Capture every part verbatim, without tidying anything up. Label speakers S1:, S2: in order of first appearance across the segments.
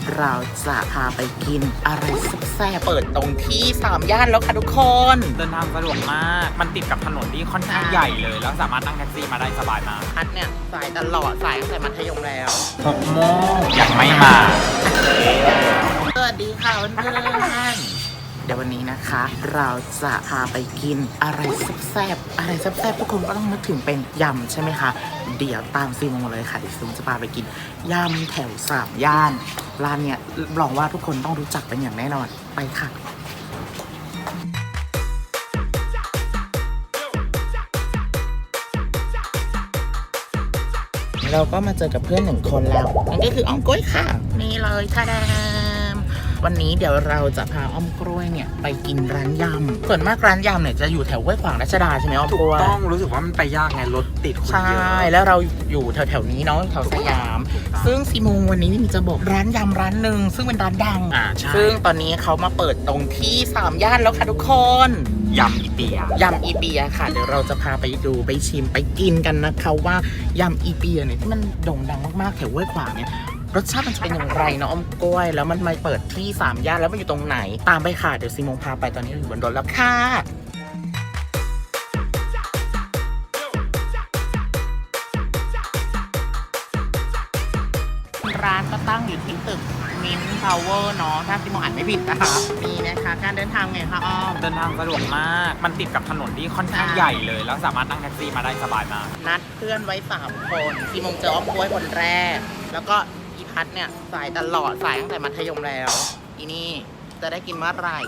S1: เราจะพาไปกินอะไรแซ่บๆเปิดตรงที่สามย่านแล้วค่ะทุกคน
S2: เดินทางสะดวกมากมันติดกับถนนที่ค่อนข้างใหญ่เลยแล้วสามารถนั่งแท็กซี่มาได้สบายมาก
S1: พัดเนี่ยสายตลอดสายตั้งแต่มัธยมแล้ว
S2: หกโมงยังไม่มา
S1: สวัสดีค่ะเพื่อนๆเดี๋ยววันนี้นะคะเราจะพาไปกินอะไรแซ่บๆอะไรแซ่บๆทุกคนก็ต้องนึกถึงเป็นยำใช่ไหมคะเดี๋ยวตามซีโมมาเลยค่ะเดี๋ยวซีโมจะพาไปกินยำแถวสามย่านร้านเนี่ยรับรองว่าทุกคนต้องรู้จักเป็นอย่างแน่นอนไปค่ะเราก็มาเจอกับเพื่อนหนึ่งคนแล้วนั่นก็คืออ้อมกล้วยค่ะนี่เลยท่าแดมวันนี้เดี๋ยวเราจะพาอ้อมกล้วยเนี่ยไปกินร้านยำส่วนมากร้านยำเนี่ยจะอยู่แถวห้วยขวางรัชดาใช่ไหมอ้อมกล้วย
S2: ต้องรู้สึกว่ามันไปยากไงรถติดคนเยอะ
S1: ใช่แล้วเราอยู่แถวๆนี้เนาะแถวสยามซึ่งซีโมงวันนี้มีจะบอกร้านยำร้านหนึ่งซึ่งเป็นร้านดัง
S2: อ่าใช่
S1: ซึ่งตอนนี้เขามาเปิดตรงที่สามย่านแล้วค่ะทุกคน
S2: ยำอีเปีย
S1: ยำอีเปียค่ะเดี๋ยวเราจะพาไปดูไปชิมไปกินกันนะคะว่ายำอีเปียเนี่ยที่มันโด่งดังมากๆแถวห้วยขวางเนี่ยรสชาติมันจะเป็นอย่างไรเนาะอ้อมกล้วยแล้วมันมาเปิดที่สามย่านแล้วมันอยู่ตรงไหนตามไปค่ะเดี๋ยวซีโมงพาไปตอนนี้อยู่บนรถแล้วค่ะร้านก็ตั้งอยู่ที่ตึกมินท์ทาวเวอร์เนาะถ้าซีโมอ่านไม่ผิดนะคะนี่นะคะการเดินทางไงคะอ้อม
S2: เดินทางสะดวกมากมันติดกับถนนที่ค่อนข้างใหญ่เลยแล้วสามารถนั่งแท็กซี่มาได้สบายมาก
S1: นัดเพื่อนไว้สามคนซีโมงเจออ้อมกล้วยคนแรกแล้วก็อีพัดเนี่ยสายตลอดสายตั้งแต่มัธยมแล้วอีนี่จะได้กินเมื่อไหร่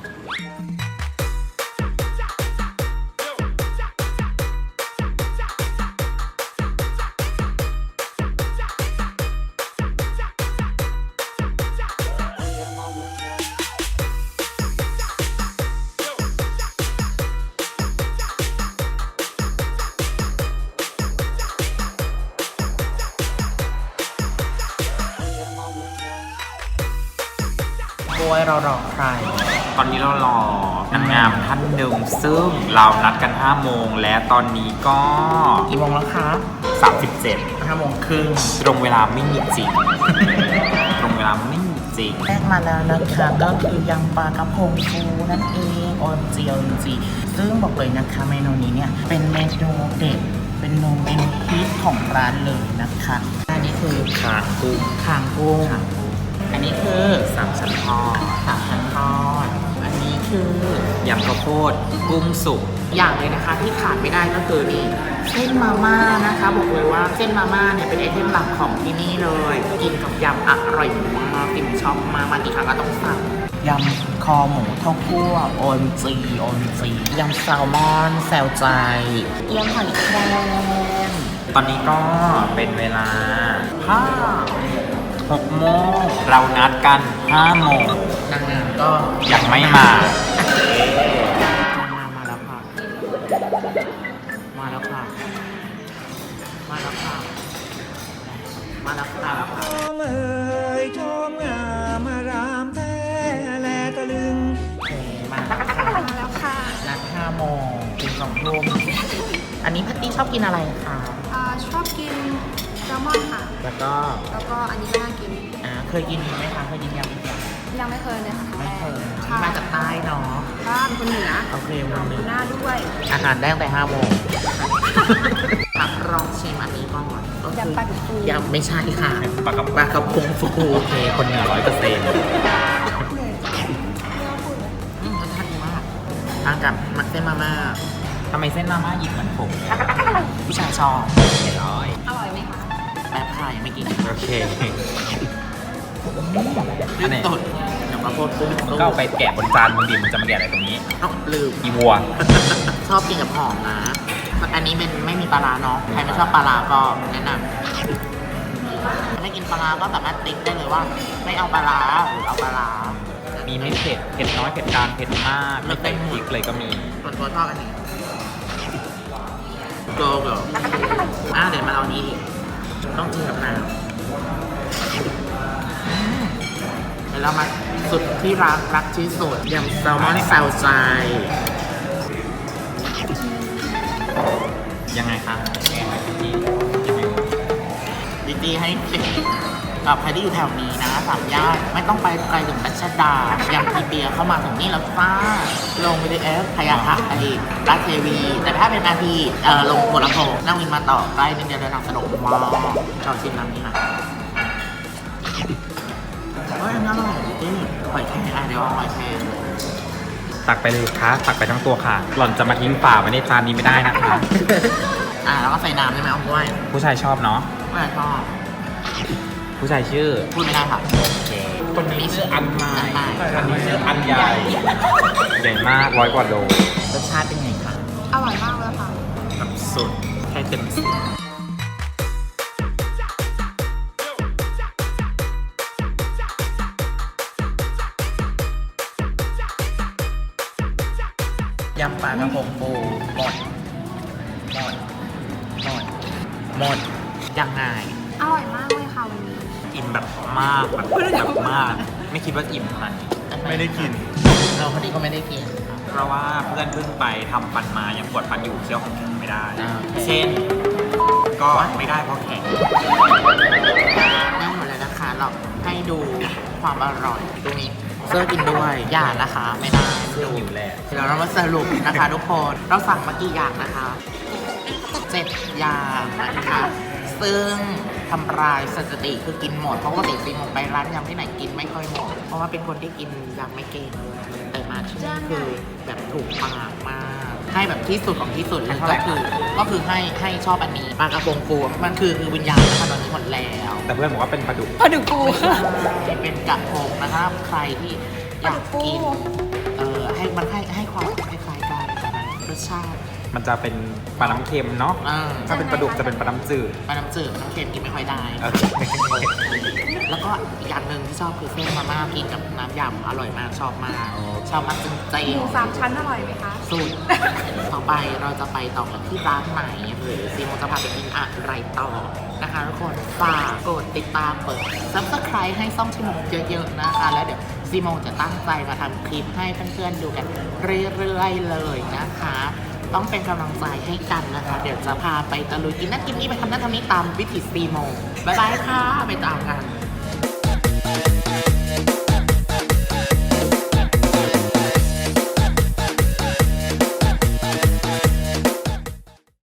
S1: กล้วยเรารอใคร
S2: ตอนนี้เรารอนางงามท่านหนึ่งซึ่งเรานัดกันห้าโมงและตอนนี้ก็
S1: กี่โมงแล้วคะ
S2: สามสิบเจ็ด
S1: ห้าโมงครึ่ง
S2: ตรงเวลาไม่มีจริง ตรงเวลาไม่มีจริง
S1: แรกมาแล้วนะคะก็คือยำปลากระพงฟูนั่นเองออนจีออนจีซึ่งบอกเลยนะคะเมนูนี้เนี่ยเป็นเมนูเด็ดเป็นเมนูฮิตของร้านเลยนะคะอันนี้คือ
S2: คางกุ้ง
S1: คางกุ้งอันนี้คือ
S2: สามชั้นทอด
S1: สามชั้นทอดอันนี้คื
S2: อยำข้าวโพดกุ้งสุก
S1: อย่างเลยนะคะที่ขาดไม่ได้ก็คือนี่เส้นมาม่านะคะบอกเลยว่าเส้นมาม่าเนี่ยเป็นไอเทมหลักของที่นี่เลยกินกับยำอร่อยมากติ่มชอบมามากี่ครั้งก็ต้องสั่งยำคอหมูข้าวคั่วโอนจีโอนจียำแซลมอนแซลใจยำหอยแครง
S2: ตอนนี้ก็เป็นเวลาห้าหกโมงเรานัดกันห้าโมง
S1: นางงามก็
S2: ยังไม่มา
S1: มาแล้วค่ะมาแล้วค่ะมาแล้วค่ะมาแล้วค่ะเอ๋ยชมงามรามแท้แลตะลึงมาแล้วค่ะนัดห้าโมงถึงสองทุ่มอันนี้พัตตี้ชอบกินอะไรคะ
S3: ชอบกินแซลมอนค่ะ
S1: แล้วก็
S3: แล้วก็อันนี้ก็น่ากิน
S1: อ่าเคยกินไหมคะเคยกินยำอีกอย่าง
S3: ยังไม่เคยเลยค่ะ
S1: ไม่เคยมาจากใต้เนาะ
S3: บ้านคนเหนือ
S1: โอเควันนี้
S3: หน้าด้วย
S1: อาหารได้ตั้งแต่ห้าโมงลองชิมอันนี้ก่อน
S3: ยำปลากระพง
S1: ยำไม่ใช่ค่ะ
S2: ปลากระ
S1: ปลากระพงฟู
S2: โอเคคนเหนือร้อยเปอร์เซ็นต์
S1: อืมรสชาติดีมากทานกับมักเส้นมาม่า
S2: ทำไมเส้นมาม่าหยิบเหมือนผม
S1: ผู้ชายชอบ
S2: เห็นร้อย
S3: อร่อยไหมคะ
S1: แป๊บค่ะยังไม่กิน
S2: โอเค
S1: อันนี้ตุ่นเดี๋ยวมาโพดกุ้ง
S2: ก็เอาไปแกะบนจานมึงดิมันจะมาแกะอะไรตรงนี้
S1: เอ้าลืม
S2: อีวัว
S1: ชอบกินกับหอมนะอันนี้เป็นไม่มีปลาร้าเนาะใครไม่ชอบปลาร้าก็แนะนำไม่กินปลาร้าก็สามารถติ๊กได้เลยว่าไม่เอาปลาร้าหรือเอาปลาร้า
S2: มีไม่เผ็ดเผ็ดน้อยเผ็ดกลางเผ็ดมากไม่เต็มพริกเลยก็มี
S1: ส่วนตัวชอบอันนี้โกโก้อ่ะเดี๋ยวมาเอานี้ดิต้องกินกับน้ำเดี๋ยวเรามาสุดที่รักรักที่สุดยำแซลมอนแซลใจ
S2: ยังไงคะยังไงพี่
S1: ดีๆให้กับใครที่อยู่แถวนี้นะสามย่านไม่ต้องไปไกลถึงรัชดายังพีเบียเข้ามาถึงนี่แล้วจ้าลง บี ที เอส พญาไทราชเทวี แต่ถ้าเป็นนาทีเอ่อลงหัวลำโพงนั่งวินมาต่อใกล้นิดเดียวเดินทางสะดวกมากเราชิมน้ำนี้นะเฮ้ยอันนี้อร่อยจริงหอยแครงอ่ะเดี๋ยวเอาหอยแครง
S2: ตักไปเลยค่ะตักไปทั้งตัวค่ะ หล่อนจะมาทิ้งฝาไว้ในจานนี้ไม่ได้นะคะ
S1: อ่ะแล้วก็ใส่น้ำได้ไหมเอาด้วย
S2: ผู้ชายชอบเนาะ
S1: ไม่ชอบ
S2: ผู้ชายชื่อ
S1: พูดไม่ได้ค่ะ
S2: คนนี้ชื่ออันไม้
S1: อันไม้
S2: อันนี้ชื่ออันใหญ่ ใหญ่มากร้อยกว่าโล
S1: รสชาติเป็นไงคะ
S3: อร่อยมากเลยค่ะ
S2: แบบสุดแค่เต็มสิบ
S1: ยำปลากระพงปูหมดหมดหมดหมดยังไง
S3: อร่อยมากเลยค่ะวันนี้
S2: อิ่มแบบมากแบบแบบมาก ไม่คิดว่าอิ่มขนาดนี้ ไม่ได้กิน
S1: เราพอดีก็ไม่ได้กิน
S2: เพราะว่าเพื่อนเพิ่งไปทำฟันมายังปวดฟันอยู่เคี้ยวของแข็งไม่ได้
S1: อ่า
S2: เช่น ก็ไม่ได้เพราะแข็ง
S1: นั่งหมดแล้วนะคะ เราให้ดูความอร่อยตรงนี้เสื้อกินด้วยอย่านะคะ ไม่ได้
S2: เสื้อหิวแหละ
S1: เดี๋ยวเรามาสรุปนะคะทุกคน เราสั่งมากี่อย่างนะคะเจ็ดอย่างนะคะ ซึ่งทำลายสถิติคือกินหมด เพราะว่าติดซีมงไปร้านยำที่ไหนกินไม่ค่อยหมด เพราะว่าเป็นคนที่กินยำไม่เก่งแต่มาที่นี่คือแบบถูกปากมาก ให้แบบที่สุดของที่สุดเลยก็คือ ก็คือให้ให้ชอบอันนี้ปลากระพงฟูมันคือคือวิญญาณนะคะตอนนี้หมดแล้ว
S2: แต่เพื่อนบอกว่าเป็นปลาดุก
S3: ปลาดุกปู
S1: เป็นกระพงนะคะใครที่อยากกินเออให้มันให้ให้ความคล้ายๆกันแต่มันรสชาติ
S2: มันจะเป็นปลาน้ำเค็มเนาะ
S1: อ่า
S2: ถ้าเป็นปลาดุกจะเป็นปลาน้ำจืด
S1: ปลาน้ำจืดน้ำเค็มกินไม่ค่อยได้
S2: เออ
S1: แล้วก็อีกอย่างหนึ่งที่ชอบคือเส้นมาม่ากินกับน้ำยำอร่อยมากชอบมาก
S2: โอ้
S1: ชอบมากจริง
S3: หมูสามชั้นอร่อยไหมคะ
S1: ๆสุด ต่อไปเราจะไปต่อกันที่ร้านไหนหรือซีโมจะพาไปกินอะไรต่อนะคะทุกคนฝากกดติดตามเปิด Subscribe ให้ซ่องชิโมเยอะๆนะคะ แล้วเดี๋ยวซีโมจะตั้งใจมาทำคลิปให้เพื่อนๆดูกันเรื่อยๆเลยนะคะ ต้องเป็นกำลังใจให้กันนะคะ เดี๋ยวจะพาไปตะลุยกินนั่นกินนี่ไปทำนั่นทำนี่ตามวิถีซีโมบ๊ายบายค่ะ ไปตามกัน